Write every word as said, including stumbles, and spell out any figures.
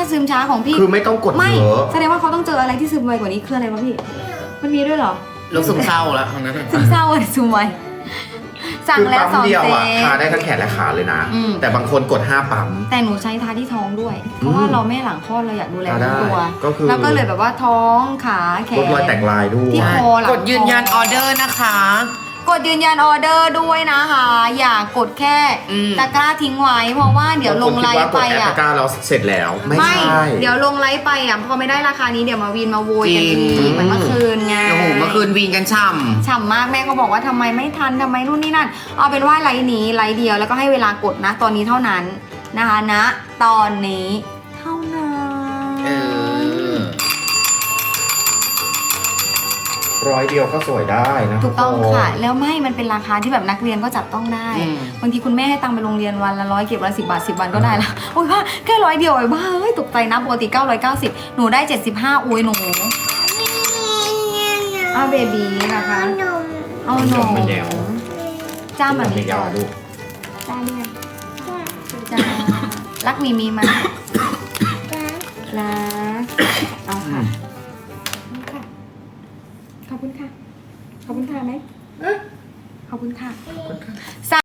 ซึมช้าของพี่คือไม่ต้องกดไม่เยอะแสดงว่าเขาต้องเจออะไรที่ซึมไวกว่านี้คืออะไรวะพี่มันมีด้วยเหรอโรคซึมเศร้าแล้วทั้งนั้นซึมเศร้าเลยซึมไวสั่งคือแล้วปั๊มสองเดียวเซอ่ะตทาได้ทั้งแขนและขาเลยนะอืมแต่บางคนกดห้าปั๊มแต่หนูใช้ทาที่ท้องด้วย เพราะว่าอืมเราไม่หลังคลอดเราอยากดูแลทาได้ตัวก็คือแล้วก็เลยแบบว่าท้องขาแขลดนรอยแตกลายด้วยที่คอหลังกดยืนยันออเดอร์นะคะกดยืนยันออเดอร์ด้วยนะคะ อย่ากดแค่อืมตะกร้าทิ้งไว้ เพราะว่าเดี๋ยวลงไลฟ์ไปบางคนคิดว่ากดแอปอ่ะตะกร้าเราเสร็จแล้วไม่ไม่ใช่เดี๋ยวลงไลฟ์ไปอ่ะพอไม่ได้ราคานี้เดี๋ยวมาวีนมาโวยกันจริงอีกเหมือนเมื่อคืนไงโอ้โหเมื่อคืนวีนกันช่ฉ่ำมากแม่ก็บอกว่าทำไมไม่ทันทำไมนู่นนี่นั่น เอาเป็นว่าไลฟ์นี้ไลฟ์เดียวแล้วก็ให้เวลากดนะ ตอนนี้เท่านั้นนะคะณตอนนี้เท่านั้นำเออร้อยเดียวก็สวยได้นะถูกต้องทุกนค่ะ แล้วไม่มันเป็นราคาที่แบบนักเรียนก็จับต้องได้อืมบางทีคุณแม่ให้ตังค์ไปโรงเรียนวันละร้อยเก็บวันละสิบบาทสิบวันก็ได้ละโอ้ยว่าแค่ร้อยเดียวไอ้บ้าเฮ้ยตกใจนะปกติเก้าร้อยเก้าสิบหนูได้เจ็ดสิบห้าอุ้ยหนูอ้าวเบบีนะคะเอาหนูไม่แนวจ้ามันไม่มียาก่วอนลูกจ้าเรียกจ้ารักมีมีไหมรักเอาค่ะขอบคุณค่ะขอบคุณค่ะไหมขอบคุณค่ะ